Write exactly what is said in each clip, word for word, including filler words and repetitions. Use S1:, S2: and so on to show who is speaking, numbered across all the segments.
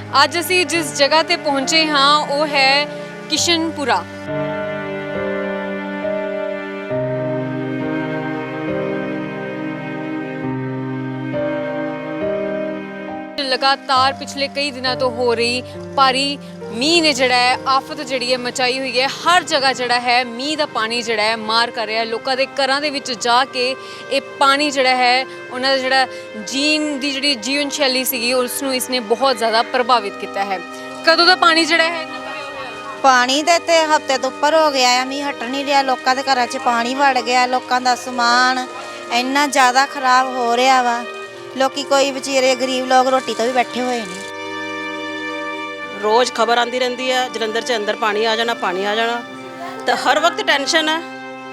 S1: ਅੱਜ ਅਸੀਂ ਜਿਸ ਜਗ੍ਹਾ ਤੇ ਪਹੁੰਚੇ ਹਾਂ ਉਹ ਹੈ ਕਿਸ਼ਨਪੁਰਾ। लगातार पिछले कई दिनों तो हो रही भारी मीह ने जड़ा है आफत जड़ी है मचाई हुई है। हर जगह जड़ा है मीह का पानी जड़ा है मार कर रहा है। लोगों के घरों के विच जाके ये पानी जड़ा है उन्होंने जड़ा जीन की जी जीवन शैली सी उसनों इसने बहुत ज़्यादा प्रभावित किया है। कदों का पानी जड़ा है
S2: पानी तो इतने हफ्ते तो उपर हो गया है, मीह हट नहीं रहा। लोगों के घर च पानी वड़ गया, लोगों का समान इन्ना ज़्यादा खराब हो रहा वा। लोग कोई बेचारे गरीब लोग रोटी तो भी बैठे हुए हैं।
S3: रोज़ खबर आती रहती है जलंधर च अंदर पानी आ जाना पानी आ जाना, तो हर वक्त टेंशन है।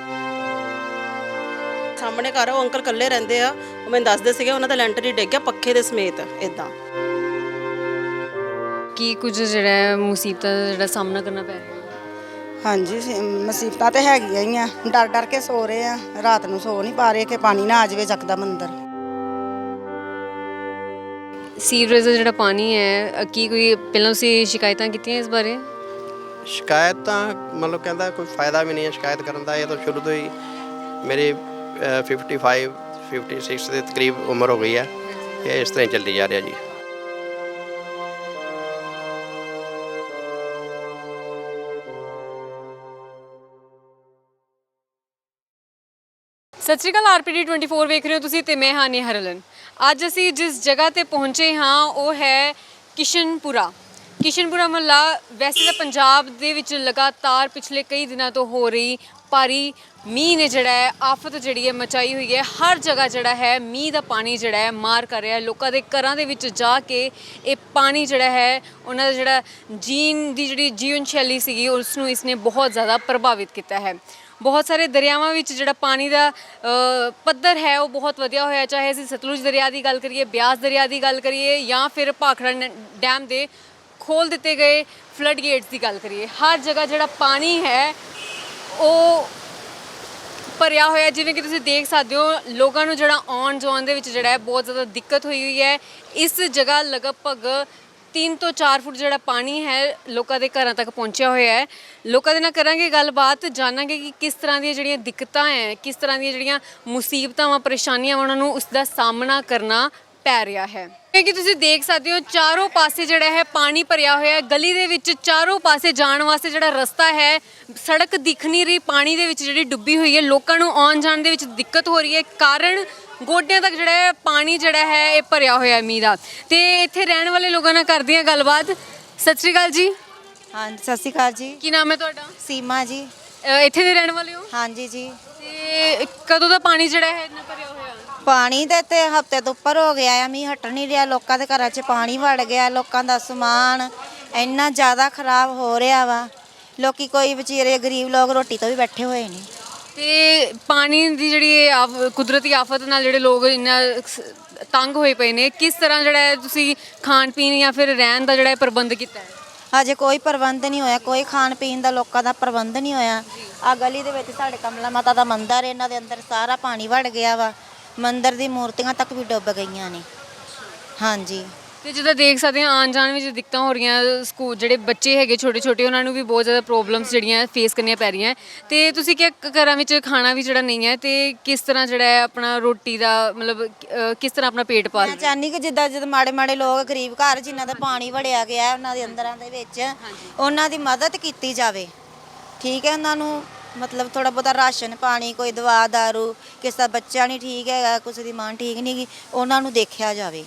S3: सामने घर वो अंकल कल्ले रहते हैं, वो मैंने दसदे सीगे उन्हों का लैंटर ही डिग गया पखे के समेत। इदा
S1: की कुछ जड़ा मुसीबत का सामना करना पै रहा?
S4: हाँ जी, मुसीबत तो हैगियां ही आ। डर डर के सो रहे हैं, रात को सो नहीं पा रहे कि पानी ना आ जाए जकदम अंदर।
S1: सीवरेज का जो पानी है की कोई पहले तुसीं शिकायतां कीतियां इस बारे?
S5: शिकायत तो मतलब कहता कोई फ़ायदा भी नहीं है शिकायत करने का। ये तो शुरू तो ही मेरी फिफ्टी फाइव फिफ्टी सिक्स के करीब उम्र हो गई है, ये इस तरह चलती जा रहा जी।
S1: सत श्री अकाल, R P D twenty four वेख रहे हो तुसीं ते मैं हां नेहा रलन। अज असी जिस जगह ते पहुंचे हाँ वो है किशनपुरा। किशनपुरा मुहल्ला वैसे तो पंजाब दे विच लगातार पिछले कई दिनों तो हो रही भारी मीह ने जड़ा है आफत जड़ी है मचाई हुई है। हर जगह जड़ा है मीह का पानी जड़ा है मार कर रहा है। लोगों के घरों के विच जाके ये पानी जड़ा है उन्होंने जड़ा जीन की जी जीवन शैली सी उसनों इसने बहुत ज़्यादा प्रभावित किया है। बहुत सारे दरियावां विच जिहड़ा पानी का पद्धर है वो बहुत वधिया होया, चाहे असीं सतलुज दरिया की गल करिए, ब्यास दरिया की गल करिए या फिर भाखड़ा डैम के खोल दिते गए फ्लड गेट्स की गल करिए। हर जगह जिहड़ा पानी है वो भरिया होया। जिवें कि तुसीं देख सकते हो लोगों नूं जिहड़ा आउण जाउण दे विच जिहड़ा है बहुत ज़्यादा दिक्कत हुई हुई है। इस जगह लगभग तीन तो चार फुट जो पानी है लोगों के घर तक पहुँचा हुआ है। लोगों के नाल करांगे गलबात, जानांगे कि किस तरह दी जिहड़ियां दिक्कतां हैं, किस तरह दी जिहड़ियां मुसीबतां वा परेशानियां उन्हां नूं उसका सामना करना पै रहा है। क्योंकि तुसीं देख सकते हो चारों पासे जिहड़ा है पानी भरिया हुआ है। गली दे विच चारों पासे जाण वास्ते जिहड़ा रस्ता है, सड़क दिख नहीं रही, पानी दे विच जिहड़ी डुब्बी हुई है। लोगों नूं आउण जाण दे विच दिक्कत हो रही है, कारण गोड्डियां तक जिहड़ा है पानी जिहड़ा है ये भरिया होया मीह दा। ते इत्थे रहण वाले लोगों नाल करदे हां गलबात। सत श्री अकाल जी।
S2: हाँ सत श्री अकाल जी।
S1: की नाम है तुहाडा?
S2: सीमा जी।
S1: इत्थे दे रहण वाले हो?
S2: हाँ जी जी।
S1: ते कदों दा पानी जिहड़ा है इन्ना भरिया होया?
S2: पानी तो इतने हफ्ते तो उपर हो गया है, मीह हट नहीं रहा। लोगों के घर च पानी वड़ गया, लोगों का समान इन्ना ज़्यादा खराब हो रहा वा। लोग कोई बेचारे गरीब लोग रोटी तो भी बैठे हुए हैं।
S1: ते पानी की जी कुदरती आफत नाल जिहड़े लोग इन्ना तंग होए पे ने, किस तरह जिहड़ा है तुसीं खाण पीण या फिर रहण दा जिहड़ा प्रबंध कीता है?
S2: अजे कोई प्रबंध नहीं होया, कोई खाण पीण का लोगों का प्रबंध नहीं होया। आ गली दे विच साडे कमला माता का मंदिर, इन्हां दे अंदर सारा पानी वड़ गया वा। मंदिर दी मूर्तियां तक भी डुब गई ने। हाँ जी।
S1: तो जिद्दां देख सकते हैं आन जान में दिक्कत हो रही हैं, स्कूल जोड़े बच्चे है छोटे छोटे उन्होंने भी बहुत ज़्यादा प्रॉब्लम्स जड़ियाँ फेस करनी पै रही हैं। तो तुसीं क्या घरां विच खाना भी जड़ा नहीं है, तो किस तरह जड़ा है अपना रोटी का मतलब किस तरह अपना पेट पाल?
S2: मैं चाहनी कि जिद्दां जिद्दां माड़े माड़े लोग गरीब घर जिन्हां दा पानी वड़िया गया उन्हां दे अंदरां दे विच उन्हां दी मदद कीती जावे। ठीक है, उन्हां नूं मतलब थोड़ा बहुत राशन पानी, कोई दवा दारू, किसी का बच्चा नहीं ठीक है, किसी की मां ठीक नहीं गी, उन्हां नूं देखिया जावे।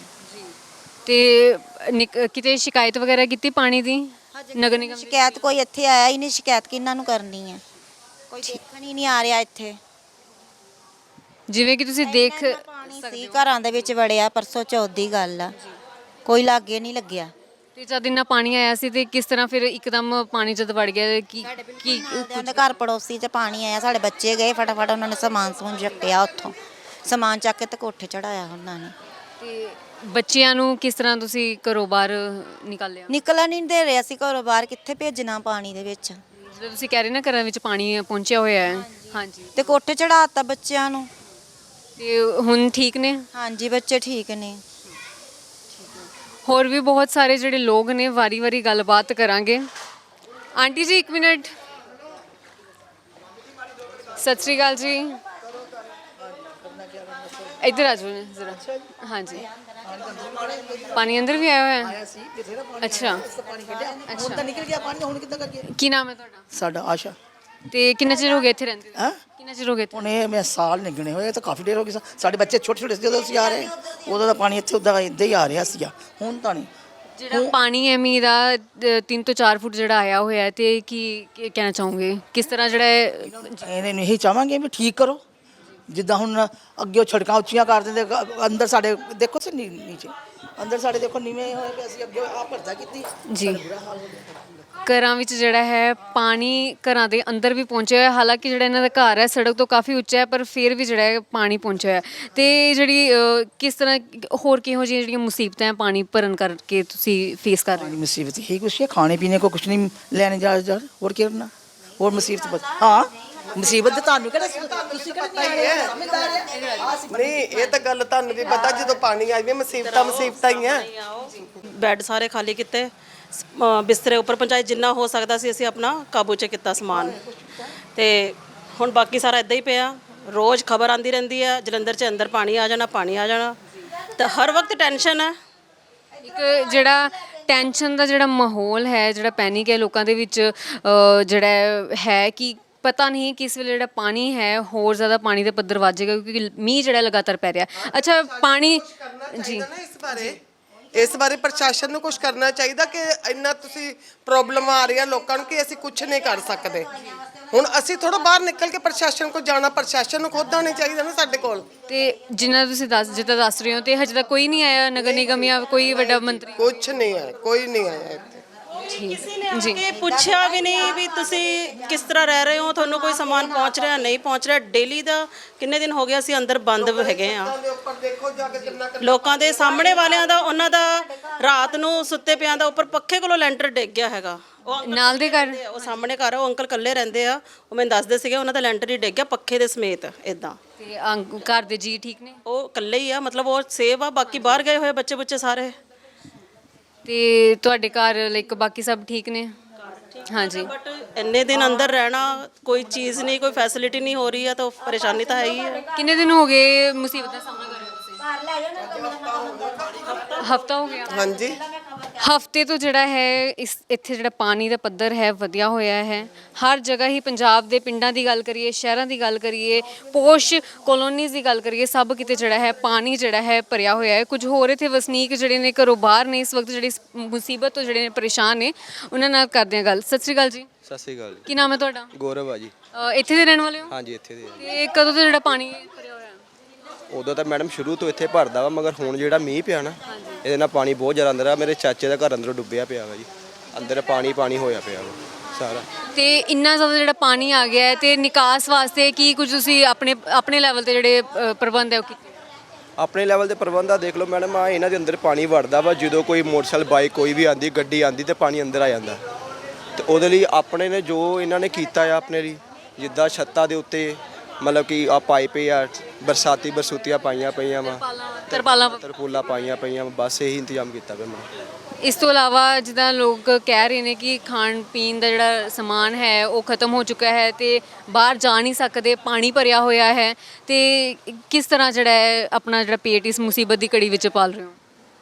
S1: ते किते शिकायत वगैरह की पानी की नगर निगम?
S2: शिकायत कोई इत्थे आया ही नहीं, शिकायत किन्हां नूं करनी है, कोई देखण ही नहीं आ रहा इत्थे।
S1: जिवें कि तुसीं देख
S2: सी घरां दे विच वड़िया, परसों चौथ दी गल आ, कोई लागे नहीं लग्गिया।
S1: ते जद इन्ना पानी आया सी ते किस तरह फिर एकदम पानी जद वड़ गया कि की
S2: उन्हां घर पड़ोसी च पानी आया, साडे बच्चे गए फटाफट उन्होंने समान समून चुक्या, उत्थों समान चक के ते कोठे चढ़ाया उन्होंने।
S1: ते बच्चियां नूं किस तरह तुसीं घरों बाहर निकालिया?
S2: निकलन नहीं दे रहे असीं घरों बाहर, कित्थे भेजना पानी दे विच।
S1: जिद्दां तुसीं कह रहे ना घरां विच पानी पहुंचिया होया है। हाँ जी।
S2: ते कोठे चढ़ाता बच्चियां नूं।
S1: ते हुण ठीक ने?
S2: हाँ जी, बच्चे ठीक ने।
S1: ਹੋਰ ਵੀ ਬਹੁਤ ਸਾਰੇ ਜਿਹੜੇ ਲੋਕ ਨੇ ਵਾਰੀ-ਵਾਰੀ ਗੱਲਬਾਤ ਕਰਾਂਗੇ। ਆਂਟੀ ਜੀ ਇੱਕ ਮਿੰਟ, ਸਤਿ ਸ਼੍ਰੀ ਅਕਾਲ ਜੀ, ਇੱਧਰ ਆ ਜਾਓ ਜ਼ਰਾ। ਹਾਂਜੀ, ਪਾਣੀ ਅੰਦਰ ਵੀ ਆਇਆ ਹੋਇਆ ਹੈ? ਅੱਛਾ
S6: ਹੁਣ ਤਾਂ ਨਿਕਲ ਗਿਆ ਪਾਣੀ, ਹੁਣ ਕਿੱਦਾਂ ਕਰਕੇ?
S1: ਕੀ ਨਾਮ ਹੈ ਤੁਹਾਡਾ?
S6: ਸਾਡਾ ਆਸ਼ਾ
S1: ਤੇ ਕਿੰਨਾ ਚਿਰ ਹੋ ਗਿਆ ਇੱਥੇ ਰਹਿੰਦੇ ਹੋ?
S6: ਹੈ
S1: ਕਿੰਨਾ ਚਿਰ ਹੋ ਗਿਆ ਇੱਥੇ?
S6: ਹੁਣ ਇਹ ਮੈਂ ਸਾਲ ਨਿਕਣੇ ਹੋਏ ਤਾਂ ਕਾਫੀ ਦੇਰ ਹੋ ਗਈ ਸਾ- ਸਾਡੇ ਬੱਚੇ ਛੋਟੇ ਛੋਟੇ ਸੀ ਜਦੋਂ ਅਸੀਂ ਆ ਰਹੇ ਉਦੋਂ ਦਾ ਪਾਣੀ ਇੱਥੇ ਉੱਦਾਂ ਇੱਦਾਂ ਹੀ ਆ ਰਿਹਾ ਸੀਗਾ, ਹੁਣ ਤਾਂ ਨਹੀਂ।
S1: ਜਿਹੜਾ ਪਾਣੀ ਹੈ ਮੀਂਹ ਦਾ ਅ, ਤਿੰਨ ਤੋਂ ਚਾਰ ਫੁੱਟ ਜਿਹੜਾ ਆਇਆ ਹੋਇਆ ਹੈ, ਤੇ ਕੀ ਕੀ ਕਹਿਣਾ ਚਾਹੋਗੇ ਕਿਸ ਤਰ੍ਹਾਂ ਜਿਹੜਾ ਹੈ?
S6: ਇਹਨੇ ਨੂੰ ਇਹੀ ਚਾਹਾਂਗੇ ਵੀ ਠੀਕ ਕਰੋ, ਜਿੱਦਾਂ ਹੁਣ ਅੱਗੇ ਉਹ ਛੜਕਾਂ ਉੱਚੀਆਂ ਕਰ ਦਿੰਦੇ, ਅ- ਅੰਦਰ ਸਾਡੇ ਦੇਖੋ ਸੀ ਨੀ- ਨੀਚੇ ਅੰਦਰ ਸਾਡੇ ਦੇਖੋ ਨੀਵੇਂ ਹੋਏ ਪਏ, ਅਸੀਂ ਅੱਗੇ ਆ ਭਰਦਾ ਕੀਤੀ
S1: ਜੀ, ਘਰਾਂ ਵਿੱਚ ਜਿਹੜਾ ਹੈ ਪਾਣੀ ਘਰਾਂ ਦੇ ਅੰਦਰ ਵੀ ਪਹੁੰਚਿਆ ਹੋਇਆ। ਹਾਲਾਂਕਿ ਜਿਹੜਾ ਇਹਨਾਂ ਦਾ ਘਰ ਹੈ ਸੜਕ ਤੋਂ ਕਾਫੀ ਉੱਚਾ ਹੈ, ਪਰ ਫਿਰ ਵੀ ਜਿਹੜਾ ਹੈ ਪਾਣੀ ਪਹੁੰਚਿਆ ਹੋਇਆ ਹੈ। ਤੇ ਜਿਹੜੀ ਅ, ਕਿਸ ਤਰ੍ਹਾਂ ਹੋਰ ਕਿਹੋ ਜਿਹੀਆਂ ਜਿਹੜੀਆਂ ਮੁਸੀਬਤਾਂ ਹੈ ਪਾਣੀ ਭਰਨ ਕਰਕੇ ਤੁਸੀਂ ਫੇਸ ਕਰ ਰਹੇ ਹੋ?
S6: मुसीबत ही कुछ है, खाने पीने को कुछ नहीं लेने जा जा और क्या करना और मुसीबत बस हाँ मुसीबत तो ਤੁਹਾਨੂੰ ਕਿਹੜਾ ਤੁਸੀਂ ਕਿਹੜਾ ਸਮਝਦਾਰ ਹੈ।
S7: ਨਹੀਂ ਇਹ ਤਾਂ ਗੱਲ ਤੁਹਾਨੂੰ ਵੀ ਪਤਾ, ਜਦੋਂ ਪਾਣੀ ਆ ਜਾਵੇ ਮੁਸੀਬਤਾਂ ਮੁਸੀਬਤਾਂ ਹੀ ਆ।
S3: ਬੈੱਡ ਸਾਰੇ ਖਾਲੀ ਕੀਤੇ, ਸ- ਅ, ਬਿਸਤਰੇ ਉੱਪਰ ਪਹੁੰਚਾਏ, ਜਿੰਨਾ ਹੋ ਸਕਦਾ ਸੀ ਅਸੀਂ ਆਪਣਾ ਕਾਬੂ 'ਚ ਕੀਤਾ ਸਮਾਨ। ਤੇ ਹੁਣ ਬਾਕੀ ਸਾਰਾ ਇਦਾਂ ਹੀ ਪਿਆ। ਰੋਜ਼ ਖਬਰ ਆਂਦੀ ਰਹਿੰਦੀ ਹੈ ਜਲੰਧਰ 'ਚ ਅੰਦਰ ਪਾਣੀ ਆ ਜਾਣਾ, ਪਾਣੀ ਆ ਜਾਣਾ, ਤਾਂ ਹਰ ਵਕਤ ਟੈਨਸ਼ਨ ਹੈ।
S1: ਇੱਕ ਜਿਹੜਾ ਟੈਨਸ਼ਨ ਦਾ ਜਿਹੜਾ ਮਾਹੌਲ ਹੈ, ਜਿਹੜਾ ਪੈਨਿਕ ਹੈ ਲੋਕਾਂ ਦੇ ਵਿੱਚ, ਅ, ਜਿਹੜਾ ਹੈ ਕਿ ਪਤਾ ਨਹੀਂ ਕਿਸ ਵੇਲੇ ਜਿਹੜਾ ਪਾਣੀ ਹੈ ਹੋਰ ਜ਼ਿਆਦਾ ਪਾਣੀ ਦੇ ਪੱਧਰ ਵੱਧ ਜਾਏਗਾ, ਕਿਉਂਕਿ ਮੀਂਹ ਜਿਹੜਾ ਲਗਾਤਾਰ ਪੈ ਰਿਹਾ। ਅੱਛਾ ਪਾਣੀ ਜੀ,
S7: ਇਸ ਬਾਰੇ ਇਸ ਬਾਰੇ ਪ੍ਰਸ਼ਾਸਨ ਨੂੰ ਕੁਝ ਕਰਨਾ ਚਾਹੀਦਾ ਕਿ ਇੰਨਾ ਤੁਸੀਂ ਪ੍ਰੋਬਲਮ ਆ ਰਹੀ ਆ ਲੋਕਾਂ ਨੂੰ ਕਿ ਅਸੀਂ ਕੁਝ ਨਹੀਂ ਕਰ ਸਕਦੇ। ਹੁਣ ਅਸੀਂ ਥੋੜਾ ਬਾਹਰ ਨਿਕਲ ਕੇ ਪ੍ਰਸ਼ਾਸਨ ਕੋਲ ਜਾਣਾ, ਪ੍ਰਸ਼ਾਸਨ ਨੂੰ ਖੁਦ ਆਉਣਾ ਚਾਹੀਦਾ ਨਾ ਸਾਡੇ ਕੋਲ।
S1: ਤੇ ਜਿੰਨਾ ਤੁਸੀਂ ਦੱਸ ਜਿੱਦਾਂ ਦੱਸ ਰਹੇ ਹੋ, ਤੇ ਹਜੇ ਤੱਕ ਕੋਈ ਨਹੀਂ ਆਇਆ ਨਗਰ ਨਿਗਮ ਜਾਂ ਕੋਈ ਵੱਡਾ ਮੰਤਰੀ?
S7: ਕੁਝ ਨਹੀਂ ਆਇਆ, ਕੋਈ ਨਹੀਂ ਆਇਆ ਇੱਥੇ।
S1: ਠੀਕ ਜੀ,
S3: ਕਿ ਪੁੱਛਿਆ ਵੀ ਨਹੀਂ ਵੀ ਤੁਸੀਂ ਕਿਸ ਤਰ੍ਹਾਂ ਰਹਿ ਰਹੇ ਹੋ, ਤੁਹਾਨੂੰ ਕੋਈ ਸਮਾਨ ਪਹੁੰਚ ਰਿਹਾ ਨਹੀਂ ਪਹੁੰਚ ਰਿਹਾ। ਡੇਲੀ ਦਾ ਕਿੰਨੇ ਦਿਨ ਹੋ ਗਏ ਅਸੀਂ ਅੰਦਰ ਬੰਦ ਹੈਗੇ ਆ।
S7: ਦੇ ਉੱਪਰ ਦੇਖੋ ਜਾ ਕੇ ਕਿੰਨਾ ਕੁ-
S3: ਲੋਕਾਂ ਦੇ ਸਾਹਮਣੇ ਵਾਲਿਆਂ ਦਾ, ਉਹਨਾਂ ਦਾ ਰਾਤ ਨੂੰ ਸੁੱਤੇ ਪਿਆਂ ਦਾ ਉੱਪਰ ਪੱਖੇ ਕੋਲੋਂ ਲੈਂਟਰ ਡਿੱਗ ਗਿਆ ਹੈਗਾ। ਉਹ ਅੰਕਲ
S1: ਨਾਲ ਦੇ ਘਰ
S3: ਰਹਿੰਦੇ ਆ, ਉਹ ਸਾਹਮਣੇ ਘਰ ਆ, ਉਹ ਅੰਕਲ ਇਕੱਲੇ ਰਹਿੰਦੇ ਆ, ਉਹ ਮੈਨੂੰ ਦੱਸਦੇ ਸੀਗੇ ਉਹਨਾਂ ਦਾ ਲੈਂਟਰ ਹੀ ਡਿੱਗ ਗਿਆ ਪੱਖੇ ਦੇ ਸਮੇਤ ਇਦਾਂ।
S1: ਤੇ ਅੰਕ- ਘਰ ਦੇ ਜੀ ਠੀਕ ਨੇ?
S3: ਉਹ ਇਕੱਲੇ ਹੀ ਆ, ਮਤਲਬ ਉਹ ਸੇਵ ਆ, ਬਾਕੀ ਬਾਹਰ ਗਏ ਹੋਏ ਬੱਚੇ ਬੁੱਚੇ ਸਾਰੇ।
S1: ਤੇ ਤੁਹਾਡੇ ਘਰ ਲਾਈਕ ਬਾਕੀ ਸਭ ਠੀਕ ਨੇ? ਹਾਂਜੀ,
S3: ਬਟ ਇੰਨੇ ਦਿਨ ਅੰਦਰ ਰਹਿਣਾ, ਕੋਈ ਚੀਜ਼ ਨਹੀਂ, ਕੋਈ ਫੈਸਿਲਿਟੀ ਨਹੀਂ ਹੋ ਰਹੀ ਆ, ਤਾਂ ਪਰੇਸ਼ਾਨੀ ਤਾਂ ਹੈ ਹੀ ਹੈ।
S1: ਕਿੰਨੇ ਦਿਨ ਹੋ ਗਏ ਮੁਸੀਬਤ ਦਾ ਸਾਹਮਣਾ ਕਰ ਰਹੇ ਹੋ ਤੁਸੀਂ? ਹਫਤਾ ਹੋ ਗਿਆ।
S7: ਹਾਂਜੀ
S1: ਹਫਤੇ ਤੋਂ ਜਿਹੜਾ ਹੈ ਇਸ ਇੱਥੇ ਜਿਹੜਾ ਪਾਣੀ ਦਾ ਪੱਧਰ ਹੈ ਵਧਿਆ ਹੋਇਆ ਹੈ। ਹਰ ਜਗ੍ਹਾ ਹੀ ਪੰਜਾਬ ਦੇ ਪਿੰਡਾਂ ਦੀ ਗੱਲ ਕਰੀਏ, ਸ਼ਹਿਰਾਂ ਦੀ ਗੱਲ ਕਰੀਏ, ਪੋਸ਼ ਕਲੋਨੀਜ਼ ਦੀ ਗੱਲ ਕਰੀਏ, ਸਭ ਕਿਤੇ ਜਿਹੜਾ ਹੈ ਪਾਣੀ ਜਿਹੜਾ ਹੈ ਭਰਿਆ ਹੋਇਆ ਹੈ। ਕੁਝ ਹੋਰ ਇੱਥੇ ਵਸਨੀਕ ਜਿਹੜੇ ਨੇ ਘਰੋਂ ਬਾਹਰ ਨੇ ਇਸ ਵਕਤ, ਜਿਹੜੀ ਇਸ ਮੁਸੀਬਤ ਤੋਂ ਜਿਹੜੇ ਨੇ ਪਰੇਸ਼ਾਨ ਨੇ, ਉਹਨਾਂ ਨਾਲ ਕਰਦੇ ਹਾਂ ਗੱਲ। ਸਤਿ ਸ਼੍ਰੀ ਅਕਾਲ ਜੀ,
S8: ਸਤਿ ਸ਼੍ਰੀ ਅਕਾਲ ਜੀ।
S1: ਕੀ ਨਾਮ ਹੈ ਤੁਹਾਡਾ?
S8: ਗੌਰਵ ਆ ਜੀ।
S1: ਅ, ਇੱਥੇ ਦੇ ਰਹਿਣ ਵਾਲੇ ਹੋ?
S8: ਹਾਂਜੀ ਇੱਥੇ ਦੇ ਆ।
S1: ਤੇ ਕਦੋਂ ਤੋਂ ਜਿਹੜਾ ਪਾਣੀ ਭਰਿਆ ਹੋਇਆ ਹੈ?
S8: ਉਦੋਂ ਤਾਂ ਮੈਡਮ ਸ਼ੁਰੂ ਤੋਂ ਇੱਥੇ ਭਰਦਾ ਵਾ, ਮਗਰ ਹੁਣ ਜਿਹੜਾ ਮੀਂਹ ਪਿਆ ਨਾ ਇਹਦੇ ਨਾਲ ਪਾਣੀ ਬਹੁਤ ਜ਼ਿਆਦਾ ਅੰਦਰ ਆ। ਮੇਰੇ ਚਾਚੇ ਦਾ ਘਰ ਅੰਦਰੋਂ ਡੁੱਬਿਆ ਪਿਆ ਵਾ ਜੀ, ਅੰਦਰ ਪਾਣੀ ਪਾਣੀ ਹੋਇਆ ਪਿਆ ਵਾ ਸਾਰਾ।
S1: ਤੇ ਇੰਨਾ ਜ਼ਿਆਦਾ ਜਿਹੜਾ ਪਾਣੀ ਆ ਗਿਆ ਹੈ, ਤੇ ਨਿਕਾਸ ਵਾਸਤੇ ਕੀ ਕੁਝ ਤੁਸੀਂ ਆਪਣੇ ਆਪਣੇ ਲੈਵਲ ਤੇ ਜਿਹੜੇ ਅ, ਪ੍ਰਬੰਧ ਹੈ ਉਹ ਕੀਤੇ?
S8: ਆਪਣੇ ਲੈਵਲ ਦੇ ਪ੍ਰਬੰਧ ਆ ਦੇਖ ਲਓ ਮੈਡਮ, ਆ ਇਹਨਾਂ ਦੇ ਅੰਦਰ ਪਾਣੀ ਵੜਦਾ ਵਾ। ਜਦੋਂ ਕੋਈ ਮੋਟਰਸਾਈਕਲ ਬਾਈਕ ਕੋਈ ਵੀ ਆਂਦੀ, ਗੱਡੀ ਆਂਦੀ, ਤੇ ਪਾਣੀ ਅੰਦਰ ਆ ਜਾਂਦਾ। ਤੇ ਉਹਦੇ ਲਈ ਆਪਣੇ ਨੇ ਜੋ ਇਹਨਾਂ ਨੇ ਕੀਤਾ ਆ ਆਪਣੇ ਲਈ, ਜਿੱਦਾਂ ਛੱਤਾਂ ਦੇ ਉੱਤੇ ਮਤਲਬ ਕਿ ਆ ਪਾਈਪ ਆ, ਬਰਸਾਤੀ ਬਰਸੂਤੀਆਂ ਪਾਈਆਂ ਪਈਆਂ ਵਾ,
S1: ਤਰਪਾਲਾਂ
S8: ਤਰਪੂਲਾਂ ਪਾਈਆਂ ਪਈਆਂ ਵਾ, ਬਸ ਇਹੀ ਇੰਤਜ਼ਾਮ ਕੀਤਾ ਪਿਆ ਮੈਂ।
S1: ਇਸ ਤੋਂ ਇਲਾਵਾ ਜਿੱਦਾਂ ਲੋਕ ਕਹਿ ਰਹੇ ਨੇ ਕਿ ਖਾਣ ਪੀਣ ਦਾ ਜਿਹੜਾ ਸਮਾਨ ਹੈ ਉਹ ਖਤਮ ਹੋ ਚੁੱਕਾ ਹੈ, ਤੇ ਬਾਹਰ ਜਾ ਨਹੀਂ ਸਕਦੇ, ਪਾਣੀ ਭਰਿਆ ਹੋਇਆ ਹੈ, ਤੇ ਕਿਸ ਤਰ੍ਹਾਂ ਜਿਹੜਾ ਹੈ ਆਪਣਾ ਜਿਹੜਾ ਪੇਟ ਇਸ ਮੁਸੀਬਤ ਦੀ ਘੜੀ ਵਿੱਚ ਪਾਲ ਰਹੇ ਹੋ?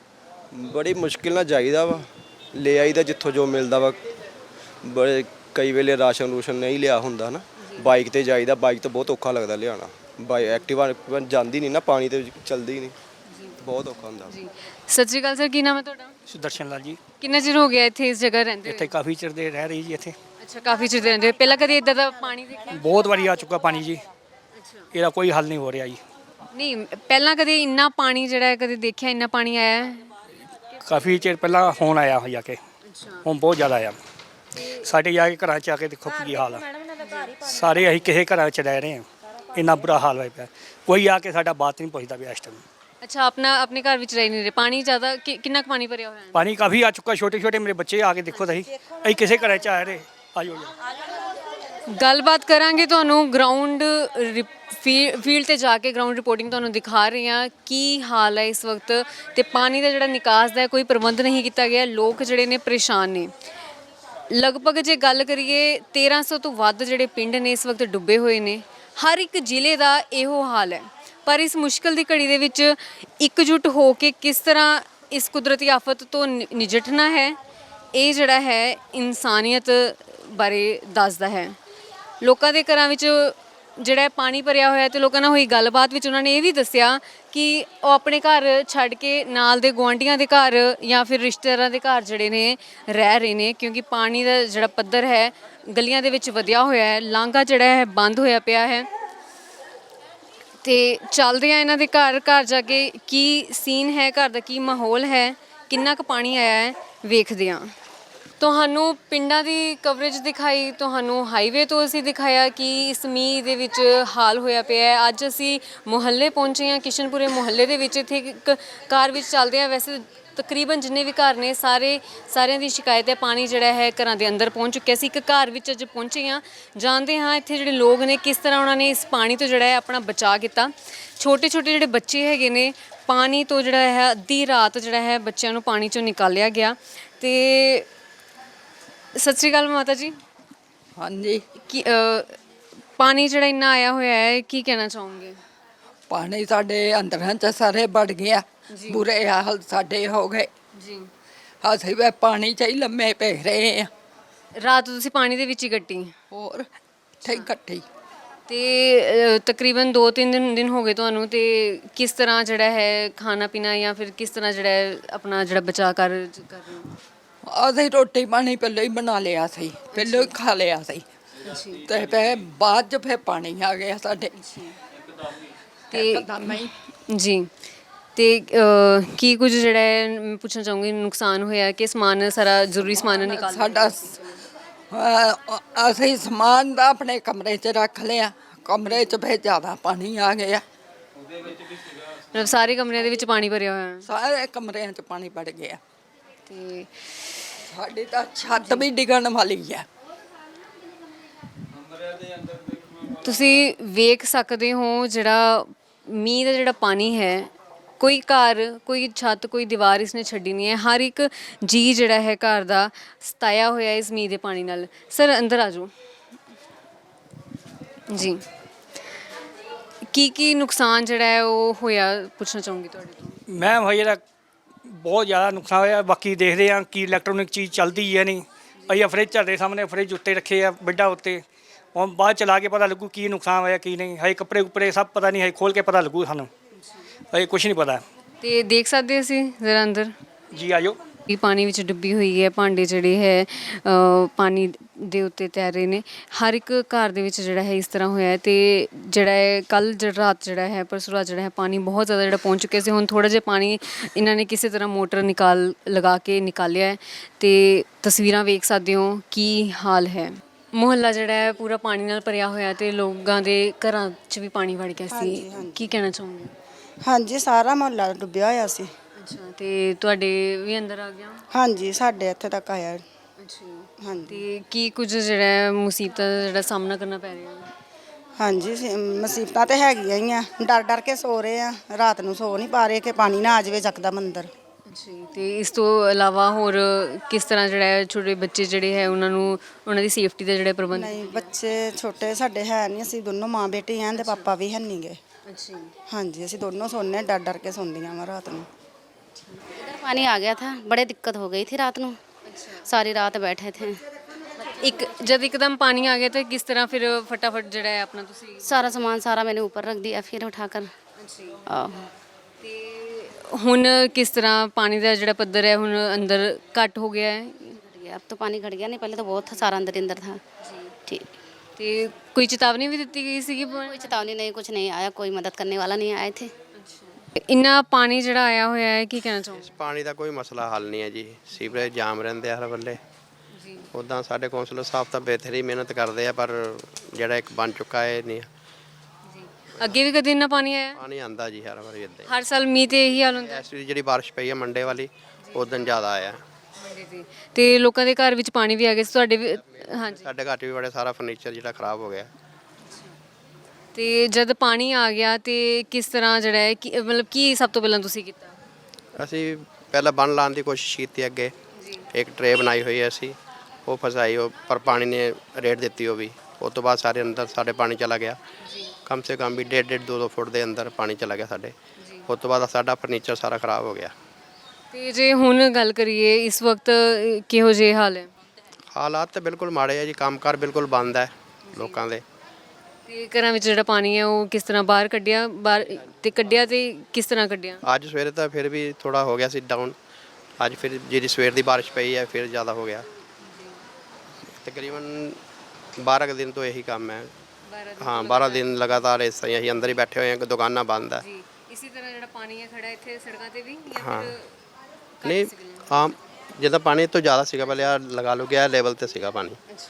S8: ਬੜੀ ਮੁਸ਼ਕਿਲ ਨਾਲ ਜਾਈਦਾ ਵਾ, ਲੈ ਆਈਦਾ ਜਿੱਥੋਂ ਜੋ ਮਿਲਦਾ ਵਾ। ਬੜੇ ਕਈ ਵੇਲੇ ਰਾਸ਼ਨ ਰੂਸ਼ਨ ਨਹੀਂ ਲਿਆ ਹੁੰਦਾ ਨਾ, ਬਾਈਕ ਤੇ ਜਾਈਦਾ, ਬਾਈਕ ਤੇ ਬਹੁਤ ਔਖਾ ਲੱਗਦਾ ਲਿਆਉਣਾ। ਬਾਈ ਐਕਟਿਵਾ ਜਾਂਦੀ ਨਹੀਂ ਨਾ, ਪਾਣੀ ਤੇ ਚਲਦੀ ਨਹੀਂ, ਬਹੁਤ ਔਖਾ ਹੁੰਦਾ।
S1: ਜੀ, ਸਤਿ ਸ਼੍ਰੀ ਅਕਾਲ ਸਰ, ਕੀ ਨਾਮ ਹੈ ਤੁਹਾਡਾ?
S9: ਸੁਦਰਸ਼ਨ ਲਾਲ ਜੀ।
S1: ਕਿੰਨਾ ਚਿਰ ਹੋ ਗਿਆ ਇੱਥੇ ਇਸ ਜਗ੍ਹਾ ਰਹਿੰਦੇ ਹੋਏ?
S9: ਇੱਥੇ ਕਾਫੀ ਚਿਰ ਦੇ ਰਹਿ ਰਹੀ ਜੀ ਇੱਥੇ।
S1: ਅੱਛਾ, ਕਾਫੀ ਚਿਰ ਦੇ ਰਹਿੰਦੇ ਹੋ। ਪਹਿਲਾਂ ਕਦੇ ਇਦਾਂ ਦਾ ਪਾਣੀ ਦੇਖਿਆ?
S9: ਬਹੁਤ ਵਾਰੀ ਆ ਚੁੱਕਾ ਪਾਣੀ ਜੀ, ਇਹਦਾ ਕੋਈ ਹੱਲ ਨਹੀਂ ਹੋ ਰਿਹਾ ਜੀ।
S1: ਨਹੀਂ, ਪਹਿਲਾਂ ਕਦੇ ਇੰਨਾ ਪਾਣੀ ਜਿਹੜਾ ਹੈ ਕਦੇ ਦੇਖਿਆ, ਇੰਨਾ ਪਾਣੀ ਆਇਆ ਹੈ?
S9: ਕਾਫੀ ਚਿਰ ਪਹਿਲਾਂ ਹੁਣ ਆਇਆ ਹੋ ਜਾ ਕੇ, ਹੁਣ ਬਹੁਤ ਜ਼ਿਆਦਾ ਆਇਆ। ਸਾਡੇ ਜਾ ਕੇ ਘਰਾਂ 'ਚ ਆ ਕੇ ਦੇਖੋ ਕੀ ਹਾਲ ਆ। ਸਾਰੇ ਅਸੀਂ ਕਿਸੇ ਘਰਾਂ 'ਚ ਰਹਿ ਰਹੇ ਹਾਂ, ਇੰਨਾ ਬੁਰਾ ਹਾਲ ਹੋਇਆ ਪਿਆ। ਕੋਈ ਆ ਕੇ ਸਾਡਾ ਬਾਤ ਨਹੀਂ ਪੁੱਛਦਾ ਪਿਆ ਇਸ ਟਾਈਮ।
S1: ਅੱਛਾ, ਆਪਣਾ ਆਪਣੇ ਘਰ ਵਿੱਚ ਰਹਿ ਨਹੀਂ ਰਹੇ? ਪਾਣੀ ਜ਼ਿਆਦਾ ਕਿ- ਕਿੰਨਾ ਕੁ ਪਾਣੀ ਭਰਿਆ ਹੋਇਆ ਹੈ?
S9: ਪਾਣੀ ਕਾਫੀ ਆ ਚੁੱਕਾ, ਛੋਟੇ ਛੋਟੇ ਮੇਰੇ ਬੱਚੇ ਆ ਕੇ ਦੇਖੋ ਤੁਸੀਂ, ਅਸੀਂ ਕਿਸੇ ਘਰਾਂ 'ਚ ਆ ਰਹੇ। ਆਜੋ ਜੀ,
S1: ਗੱਲਬਾਤ ਕਰਾਂਗੇ ਤੁਹਾਨੂੰ ਗਰਾਊਂਡ ਫੀਲਡ ਤੇ ਜਾ ਕੇ ਗਰਾਊਂਡ ਰਿਪੋਰਟਿੰਗ ਤੁਹਾਨੂੰ ਦਿਖਾ ਰਹੇ ਹਾਂ ਕੀ ਹਾਲ ਹੈ ਇਸ ਵਕਤ ਤੇ ਪਾਣੀ ਦਾ ਜਿਹੜਾ ਨਿਕਾਸ ਦਾ ਕੋਈ ਪ੍ਰਬੰਧ ਨਹੀਂ ਕੀਤਾ ਗਿਆ। ਲੋਕ ਜਿਹੜੇ ਨੇ ਪਰੇਸ਼ਾਨ ਨੇ। ਲਗਭਗ ਜੇ ਗੱਲ ਕਰੀਏ ਤੇਰਾਂ ਸੌ ਤੋਂ ਵੱਧ ਜਿਹੜੇ ਪਿੰਡ ਨੇ ਇਸ ਵਕਤ ਡੁੱਬੇ ਹੋਏ ਨੇ। ਹਰ ਇੱਕ ਜ਼ਿਲ੍ਹੇ ਦਾ ਇਹੋ ਹਾਲ ਹੈ। ਪਰ ਇਸ ਮੁਸ਼ਕਲ ਦੀ ਘੜੀ ਦੇ ਵਿੱਚ ਇਕਜੁੱਟ ਹੋ ਕੇ ਕਿਸ ਤਰ੍ਹਾਂ ਇਸ ਕੁਦਰਤੀ ਆਫਤ ਤੋਂ ਨਿ- ਨਜਿੱਠਣਾ ਹੈ, ਇਹ ਜਿਹੜਾ ਹੈ ਇਨਸਾਨੀਅਤ ਬਾਰੇ ਦੱਸਦਾ ਹੈ। ਲੋਕਾਂ ਦੇ ਘਰਾਂ ਵਿੱਚ ਜਿਹੜਾ ਹੈ ਪਾਣੀ ਭਰਿਆ ਹੋਇਆ ਤੇ ਲੋਕਾਂ ਨਾਲ ਹੋਈ ਗੱਲਬਾਤ ਵਿੱਚ ਉਹਨਾਂ ਨੇ ਇਹ ਵੀ ਦੱਸਿਆ ਕਿ ਉਹ ਆਪਣੇ ਘਰ ਛੱਡ ਕੇ ਨਾਲ ਦੇ ਗੁਆਂਢੀਆਂ ਦੇ ਘਰ ਜਾਂ ਫਿਰ ਰਿਸ਼ਤੇਦਾਰਾਂ ਦੇ ਘਰ ਜਿਹੜੇ ਨੇ ਰਹਿ ਰਹੇ ਨੇ, ਕਿਉਂਕਿ ਪਾਣੀ ਦਾ ਜਿਹੜਾ ਪੱਧਰ ਹੈ ਗਲੀਆਂ ਦੇ ਵਿੱਚ ਵਧਿਆ ਹੋਇਆ ਹੈ। ਲਾਂਘਾ ਜਿਹੜਾ ਹੈ ਬੰਦ ਹੋਇਆ ਪਿਆ ਹੈ ਤੇ ਚੱਲਦੇ ਆ ਇਹਨਾਂ ਦੇ ਘਰ ਘਰ ਜਾ ਕੇ ਕੀ ਸੀਨ ਹੈ, ਘਰ ਦਾ ਕੀ ਮਾਹੌਲ ਹੈ, ਕਿੰਨਾ ਕੁ ਪਾਣੀ ਆਇਆ ਹੈ, ਵੇਖਦੇ ਹਾਂ। ਤੁਹਾਨੂੰ ਪਿੰਡਾਂ ਦੀ ਕਵਰੇਜ ਦਿਖਾਈ, ਤੁਹਾਨੂੰ ਹਾਈਵੇ ਤੋਂ ਅਸੀਂ ਦਿਖਾਇਆ ਕਿ ਇਸ ਮੀਂਹ ਦੇ ਵਿੱਚ ਹਾਲ ਹੋਇਆ ਪਿਆ ਹੈ। ਅੱਜ ਅਸੀਂ ਮੁਹੱਲੇ ਪਹੁੰਚੇ ਹਾਂ, ਕਿਸ਼ਨਪੁਰੇ ਮੁਹੱਲੇ ਦੇ ਵਿੱਚ। ਇੱਥੇ ਇੱਕ ਕਾਰ ਵਿੱਚ ਚੱਲਦੇ ਹਾਂ। ਵੈਸੇ ਤਕਰੀਬਨ ਜਿੰਨੇ ਵੀ ਘਰ ਨੇ ਸਾਰੇ ਸਾਰਿਆਂ ਦੀ ਸ਼ਿਕਾਇਤ ਹੈ ਪਾਣੀ ਜਿਹੜਾ ਹੈ ਘਰਾਂ ਦੇ ਅੰਦਰ ਪਹੁੰਚ ਚੁੱਕਿਆ ਸੀ। ਇੱਕ ਘਰ ਵਿੱਚ ਅੱਜ ਪਹੁੰਚੇ ਹਾਂ, ਜਾਣਦੇ ਹਾਂ ਇੱਥੇ ਜਿਹੜੇ ਲੋਕ ਨੇ ਕਿਸ ਤਰ੍ਹਾਂ ਉਹਨਾਂ ਨੇ ਇਸ ਪਾਣੀ ਤੋਂ ਜਿਹੜਾ ਹੈ ਆਪਣਾ ਬਚਾਅ ਕੀਤਾ। ਛੋਟੇ ਛੋਟੇ ਜਿਹੜੇ ਬੱਚੇ ਹੈਗੇ ਨੇ, ਪਾਣੀ ਤੋਂ ਜਿਹੜਾ ਹੈ ਅੱਧੀ ਰਾਤ ਜਿਹੜਾ ਹੈ ਬੱਚਿਆਂ ਨੂੰ ਪਾਣੀ ਚੋਂ ਨਿਕਾਲਿਆ ਗਿਆ। ਤੇ ਸਤਿ ਸ਼੍ਰੀ ਅਕਾਲ ਮਾਤਾ ਜੀ।
S10: ਹਾਂਜੀ,
S1: ਕੀ ਅ, ਪਾਣੀ ਜਿਹੜਾ ਇੰਨਾ ਆਇਆ ਹੋਇਆ ਹੈ, ਕੀ ਕਹਿਣਾ ਚਾਹੋਗੇ?
S10: ਪਾਣੀ ਸਾਡੇ ਅੰਦਰਾਂ ਚ ਸਾਰੇ ਵੜ ਗਿਆ। ਬੁਰੇ ਹਾਲ ਸਾਡੇ ਹੋ ਗਏ
S1: ਜੀ।
S10: ਅਸੀਂ ਵੀ ਪਾਣੀ ਚ ਹੀ ਲੰਮੇ ਪੈ ਰਹੇ ਆ।
S1: ਰਾਤ ਤੁਸੀਂ ਪਾਣੀ ਦੇ ਵਿੱਚ ਹੀ ਕੱਟੀ
S10: ਹੋਰ ਠੀਕ ਕੱਟੀ।
S1: ਤੇ ਅ, ਤਕਰੀਬਨ ਦੋ ਤਿੰਨ ਦਿਨ ਦਿਨ ਹੋ ਗਏ ਤੁਹਾਨੂੰ। ਤੇ ਕਿਸ ਤਰ੍ਹਾਂ ਜਿਹੜਾ ਹੈ ਖਾਣਾ ਪੀਣਾ ਜਾਂ ਫਿਰ ਕਿਸ ਤਰ੍ਹਾਂ ਜਿਹੜਾ ਹੈ ਆਪਣਾ ਜਿਹੜਾ ਬਚਾਅ ਕਰ ਕਰ ਰਹੇ ਹੋ?
S10: ਅਸੀਂ ਰੋਟੀ ਪਾਣੀ ਪਹਿਲਾਂ ਹੀ ਬਣਾ ਲਿਆ ਸੀ, ਪਹਿਲਾਂ ਹੀ ਖਾ ਲਿਆ ਸੀ ਤੇ ਫਿਰ ਬਾਅਦ ਚ ਫਿਰ ਪਾਣੀ ਆ ਗਿਆ ਸਾਡੇ
S1: ਤੇ
S10: ਇੱਕਦਮ ਹੀ।
S1: ਜੀ। ਤੇ ਅ, ਕੀ ਕੁਝ ਜਿਹੜਾ ਹੈ ਮੈਂ ਪੁੱਛਣਾ ਚਾਹੂੰਗੀ, ਨੁਕਸਾਨ ਹੋਇਆ ਕਿ ਸਮਾਨ ਸਾਰਾ ਜ਼ਰੂਰੀ ਸਮਾਨ ਨਿਕਾਲ
S10: ਸਾਡਾ ਸ- ਅਹ ਅਸੀਂ ਸਮਾਨ ਦਾ ਆਪਣੇ ਕਮਰੇ 'ਚ ਰੱਖ ਲਿਆ। ਕਮਰੇ 'ਚ ਫਿਰ ਜ਼ਿਆਦਾ ਪਾਣੀ ਆ ਗਿਆ।
S1: ਮਤਲਬ ਸਾਰੇ ਕਮਰਿਆਂ ਦੇ ਵਿੱਚ ਪਾਣੀ ਭਰਿਆ ਹੋਇਆ ਹੈ।
S10: ਸਾਰੇ ਕਮਰਿਆਂ 'ਚ ਪਾਣੀ ਵੜ ਗਿਆ
S1: ਤੇ
S10: ਸਾਡੀ ਤਾਂ ਛੱਤ ਵੀ ਡਿੱਗਣ ਵਾਲੀ ਹੈ।
S1: ਤੁਸੀਂ ਵੇਖ ਸਕਦੇ ਹੋ ਜਿਹੜਾ ਮੀਂਹ ਦਾ ਜਿਹੜਾ ਪਾਣੀ ਹੈ, ਕੋਈ ਘਰ ਕੋਈ ਛੱਤ ਕੋਈ ਦੀਵਾਰ ਇਸਨੇ ਛੱਡੀ ਨਹੀਂ ਹੈ। ਹਰ ਇੱਕ ਜੀ ਜਿਹੜਾ ਹੈ ਘਰ ਦਾ ਸਤਾਇਆ ਹੋਇਆ ਇਸ ਮੀਂਹ ਦੇ ਪਾਣੀ ਨਾਲ। ਸਰ ਅੰਦਰ ਆ ਜਾਓ ਜੀ। ਕੀ ਕੀ ਨੁਕਸਾਨ ਜਿਹੜਾ ਹੈ ਉਹ ਹੋਇਆ ਪੁੱਛਣਾ ਚਾਹੂੰਗੀ ਤੁਹਾਡੇ ਤੋਂ।
S9: ਮੈਂ ਭਾਈ ਇਹਦਾ ਬਹੁਤ ਜ਼ਿਆਦਾ ਨੁਕਸਾਨ ਹੋਇਆ। ਬਾਕੀ ਦੇਖਦੇ ਹਾਂ ਕੀ ਇਲੈਕਟ੍ਰੋਨਿਕ ਚੀਜ਼ ਚੱਲਦੀ ਹੈ ਨਹੀਂ। ਅਸੀਂ ਫਰਿੱਜ ਤੁਹਾਡੇ ਸਾਹਮਣੇ ਫਰਿੱਜ ਉੱਤੇ ਰੱਖੇ ਆ ਬੈੱਡਾਂ ਉੱਤੇ। ਹੁਣ ਬਾਅਦ ਚਲਾ ਕੇ ਪਤਾ ਲੱਗੂ ਕੀ ਨੁਕਸਾਨ ਹੋਇਆ ਕੀ ਨਹੀਂ। ਹਜੇ ਕੱਪੜੇ ਕੁੱਪੜੇ ਸਭ ਪਤਾ ਨਹੀਂ, ਹਜੇ ਖੋਲ ਕੇ ਪਤਾ ਲੱਗੂ ਸਾਨੂੰ। ਹਜੇ ਕੁਛ ਨਹੀਂ ਪਤਾ।
S1: ਤੇ ਦੇਖ ਸਕਦੇ ਅਸੀਂ ਜ਼ਰਾ ਅੰਦਰ
S9: ਜੀ ਆਜੋ।
S1: ਵੀ ਪਾਣੀ ਵਿੱਚ ਡੁੱਬੀ ਹੋਈ ਹੈ। ਭਾਂਡੇ ਜਿਹੜੇ ਹੈ ਅ, ਪਾਣੀ ਦੇ ਉੱਤੇ ਤੈਰ ਰਹੇ ਨੇ। ਹਰ ਇੱਕ ਘਰ ਦੇ ਵਿੱਚ ਜਿਹੜਾ ਹੈ ਇਸ ਤਰ੍ਹਾਂ ਹੋਇਆ ਹੈ। ਤੇ ਜਿਹੜਾ ਹੈ ਕੱਲ ਜਿਹੜਾ ਰਾਤ ਜਿਹੜਾ ਹੈ ਪਰਸੋਂ ਰਾਤ ਜਿਹੜਾ ਹੈ ਪਾਣੀ ਬਹੁਤ ਜ਼ਿਆਦਾ ਜਿਹੜਾ ਪਹੁੰਚ ਚੁੱਕਿਆ ਸੀ। ਹੁਣ ਥੋੜ੍ਹਾ ਜਿਹਾ ਪਾਣੀ ਇਹਨਾਂ ਨੇ ਕਿਸੇ ਤਰ੍ਹਾਂ ਮੋਟਰ ਨਿਕਾਲ ਲਗਾ ਕੇ ਨਿਕਾਲਿਆ ਹੈ। ਤੇ ਤਸਵੀਰਾਂ ਵੇਖ ਸਕਦੇ ਹੋ ਕੀ ਹਾਲ ਹੈ। ਮੁਹੱਲਾ ਜਿਹੜਾ ਹੈ ਪੂਰਾ ਪਾਣੀ ਨਾਲ ਭਰਿਆ ਹੋਇਆ ਤੇ ਲੋਕਾਂ ਦੇ ਘਰਾਂ 'ਚ ਵੀ ਪਾਣੀ ਵੜ ਗਿਆ ਸੀ। ਕੀ ਕਹਿਣਾ ਚਾਹੋਗੇ?
S4: ਹਾਂਜੀ, ਸਾਰਾ ਮੁਹੱਲਾ ਡੁੱਬਿਆ ਹੋਇਆ ਸੀ।
S1: ਅੱਛਾ। ਤੇ ਤੁਹਾਡੇ ਵੀ ਅੰਦਰ ਆ ਗਿਆ?
S4: ਹਾਂਜੀ, ਸਾਡੇ ਇੱਥੇ ਤੱਕ ਆਇਆ।
S1: ਅੱਛਾ।
S4: ਹਾਂਜੀ
S1: ਤੇ ਕੀ ਕੁਝ ਜਿਹੜਾ ਹੈ ਮੁਸੀਬਤਾਂ ਦਾ ਜਿਹੜਾ ਸਾਹਮਣਾ ਕਰਨਾ ਪੈ ਰਿਹਾ ਹੈ?
S4: ਹਾਂਜੀ, ਸ- ਮੁਸੀਬਤਾਂ ਤੇ ਹੈਗੀਆਂ ਹੀ ਆ। ਡਰ ਡਰ ਕੇ ਸੋ ਰਹੇ ਆ, ਰਾਤ ਨੂੰ ਸੋ ਨਹੀਂ ਪਾ ਰਹੇ ਕਿ ਪਾਣੀ ਨਾ ਆ ਜਾਵੇ ਚੱਕਦਾ ਅੰਦਰ।
S1: ਅੱਛਾ। ਤੇ ਇਸ ਤੋਂ ਇਲਾਵਾ ਹੋਰ ਕਿਸ ਤਰ੍ਹਾਂ ਜਿਹੜਾ ਹੈ ਛੋਟੇ ਬੱਚੇ ਜਿਹੜੇ ਹੈ ਉਹਨਾਂ ਨੂੰ ਉਹਨਾਂ ਦੀ ਸੇਫਟੀ ਦਾ ਜਿਹੜਾ ਪ੍ਰਬੰਧ?
S4: ਨਹੀਂ, ਬੱਚੇ ਛੋਟੇ ਸਾਡੇ ਹੈ ਨਹੀਂ। ਅਸੀਂ ਦੋਨੋਂ ਮਾਂ ਬੇਟੇ ਆਂ ਤੇ ਪਾਪਾ ਵੀ ਹੈ ਨਹੀਂ ਗੇ।
S1: ਅੱਛਾ।
S4: ਹਾਂਜੀ, ਅਸੀਂ ਦੋਨੋਂ ਸੋਨੇ ਡਰ ਡਰ ਕੇ ਸੌਂਦੀਆਂ ਵਾ ਰਾਤ ਨੂੰ।
S11: इधर पानी आ गया था, बड़े दिक्कत हो गई थी रात को। सारी रात बैठे थे।
S1: ਇੱਕ ਜਦ ਇੱਕਦਮ ਪਾਣੀ ਆ ਗਿਆ ਤਾਂ ਕਿਸ ਤਰ੍ਹਾਂ ਫਿਰ ਫਟਾਫਟ ਜਿਹੜਾ ਹੈ ਆਪਣਾ ਤੁਸੀਂ?
S11: सारा सामान सारा मैंने ऊपर रख दिया फिर उठाकर। आहो।
S1: ਤੇ ਹੁਣ ਕਿਸ ਤਰ੍ਹਾਂ ਪਾਣੀ ਦਾ ਜਿਹੜਾ ਪੱਧਰ ਹੈ ਹੁਣ ਅੰਦਰ ਘੱਟ ਹੋ ਗਿਆ ਹੈ?
S11: घट गया, अब तो पानी घट गया, नहीं पहले तो बहुत था, सारा अंदर ही अंदर था। ठीक।
S1: ਤੇ ਕੋਈ ਚੇਤਾਵਨੀ ਵੀ ਦਿੱਤੀ ਗਈ ਸੀਗੀ?
S11: कोई चेतावनी नहीं, कुछ नहीं आया, कोई मदद करने वाला नहीं आए थे।
S1: ਇੰਨਾ ਪਾਣੀ ਜਿਹੜਾ ਆਇਆ ਹੋਇਆ ਹੈ, ਕੀ ਕਹਿਣਾ ਚਾਹੋਗੇ?
S5: ਪਾਣੀ ਦਾ ਕੋਈ ਮਸਲਾ ਹੱਲ ਨਹੀਂ ਹੈ ਜੀ। ਸੀਵਰੇਜ ਜਾਮ ਰਹਿੰਦੇ ਆ ਹਰ ਵੇਲੇ। ਉੱਦਾਂ ਸਾਡੇ ਕੌਂਸਲਰ ਸਾਹਿਬ ਤਾਂ ਬੇਹਤਰੀ ਮਿਹਨਤ ਕਰਦੇ ਆ, ਪਰ ਜਿਹੜਾ ਇੱਕ ਬਣ ਚੁੱਕਾ ਹੈ ਨਹੀਂ।
S1: ਅੱਗੇ ਵੀ ਕਦੇ ਇੰਨਾ ਪਾਣੀ ਆਇਆ?
S5: ਪਾਣੀ ਆਂਦਾ ਜੀ ਹਰ ਵਾਰੀ ਇੱਦਾਂ ਹੀ।
S1: ਹਰ ਸਾਲ ਮੀਂਹ ਤੇ ਇਹੀ ਹਾਲ ਹੁੰਦਾ?
S5: ਇਸ ਵਾਰੀ ਜਿਹੜੀ ਬਾਰਿਸ਼ ਪਈ ਹੈ ਮੰਡੇ ਵਾਲੀ ਉਸ ਦਿਨ ਜ਼ਿਆਦਾ ਆਇਆ।
S1: ਜੀ ਜੀ ਤੇ ਲੋਕਾਂ ਦੇ ਘਰ ਵਿੱਚ ਪਾਣੀ ਵੀ ਆ ਗਿਆ ਸੀ ਤੁਹਾਡੇ ਵੀ? ਹਾਂਜੀ।
S5: ਸਾਡੇ ਘਰ 'ਚ ਵੀ ਬੜੇ ਸਾਰਾ ਫਰਨੀਚਰ ਜਿਹੜਾ ਖਰਾਬ ਹੋ ਗਿਆ।
S1: ਤੇ ਜਦ ਪਾਣੀ ਆ ਗਿਆ ਤੇ ਕਿਸ ਤਰ੍ਹਾਂ ਜਿਹੜਾ ਹੈ ਕਿ ਮਤਲਬ ਕੀ ਸਭ ਤੋਂ ਪਹਿਲਾਂ ਤੁਸੀਂ ਕੀਤਾ?
S5: ਅਸੀਂ ਪਹਿਲਾਂ ਬੰਨ ਲਾਉਣ ਦੀ ਕੋਸ਼ਿਸ਼ ਕੀਤੀ ਅੱਗੇ, ਇੱਕ ਟਰੇ ਬਣਾਈ ਹੋਈ ਹੈ ਅਸੀਂ, ਉਹ ਫਸਾਈ, ਉਹ ਪਰ ਪਾਣੀ ਨੇ ਰੇੜ ਦਿੱਤੀ ਉਹ ਵੀ। ਉਸ ਤੋਂ ਬਾਅਦ ਸਾਰੇ ਅੰਦਰ ਸਾਡੇ ਪਾਣੀ ਚਲਾ ਗਿਆ, ਕਮ ਸੇ ਕਮ ਵੀ ਡੇਢ ਡੇਢ ਦੋ ਦੋ ਫੁੱਟ ਦੇ ਅੰਦਰ ਪਾਣੀ ਚਲਾ ਗਿਆ ਸਾਡੇ। ਉਸ ਤੋਂ ਬਾਅਦ ਸਾਡਾ ਫਰਨੀਚਰ ਸਾਰਾ ਖਰਾਬ ਹੋ ਗਿਆ।
S1: ਤੇ ਜੇ ਹੁਣ ਗੱਲ ਕਰੀਏ ਇਸ ਵਕਤ ਅ, ਕਿਹੋ ਜਿਹੇ ਹਾਲ ਹੈ?
S5: ਹਾਲਾਤ ਤਾਂ ਬਿਲਕੁਲ ਮਾੜੇ ਆ ਜੀ, ਕੰਮਕਾਰ ਬਿਲਕੁਲ ਬੰਦ ਹੈ ਲੋਕਾਂ ਦੇ।
S1: ਤੇ ਘਰਾਂ ਵਿੱਚ ਜਿਹੜਾ ਪਾਣੀ ਹੈ ਉਹ ਕਿਸ ਤਰ੍ਹਾਂ ਬਾਹਰ ਕੱਢਿਆ ਬਾਹਰ ਤੇ ਕੱਢਿਆ ਤੇ ਕਿਸ ਤਰ੍ਹਾਂ ਕੱਢਿਆ?
S5: ਅੱਜ ਸਵੇਰੇ ਤਾਂ ਫਿਰ ਵੀ ਥੋੜਾ ਹੋ ਗਿਆ ਸੀ ਡਾਊਨ, ਅੱਜ ਫਿਰ ਜਿਹੜੀ ਸਵੇਰ ਦੀ ਬਾਰਿਸ਼ ਪਈ ਹੈ ਫਿਰ ਜ਼ਿਆਦਾ ਹੋ ਗਿਆ। ਤਕਰੀਬਨ ਬਾਰਾਂ ਕੁ ਦਿਨ ਤੋਂ ਇਹੀ ਕੰਮ ਹੈ। ਹਾਂ, ਬਾਰਾਂ ਦਿਨ ਲਗਾਤਾਰ ਇਸ ਤਰ੍ਹਾਂ ਹੀ ਅਸੀਂ ਅੰਦਰ ਹੀ ਬੈਠੇ ਹੋਏ ਹਾਂ, ਦੁਕਾਨਾਂ ਬੰਦ ਹੈ।
S1: ਜੀ ਇਸੇ ਤਰ੍ਹਾਂ ਜਿਹੜਾ ਪਾਣੀ ਹੈ ਖੜਾ ਇੱਥੇ ਸੜਕਾਂ ਤੇ ਵੀ ਜਾਂ
S5: ਹਾਂ।
S1: ਫਿਰ
S5: ਨਹੀਂ, ਆਮ ਜਿੱਦਾਂ ਪਾਣੀ ਤੋਂ ਜ਼ਿਆਦਾ ਸੀਗਾ ਪਹਿਲੇ, ਆ ਲਗਾ ਲਓ ਗਿਆ ਲੈਵਲ ਤੇ ਸੀਗਾ ਪਾਣੀ।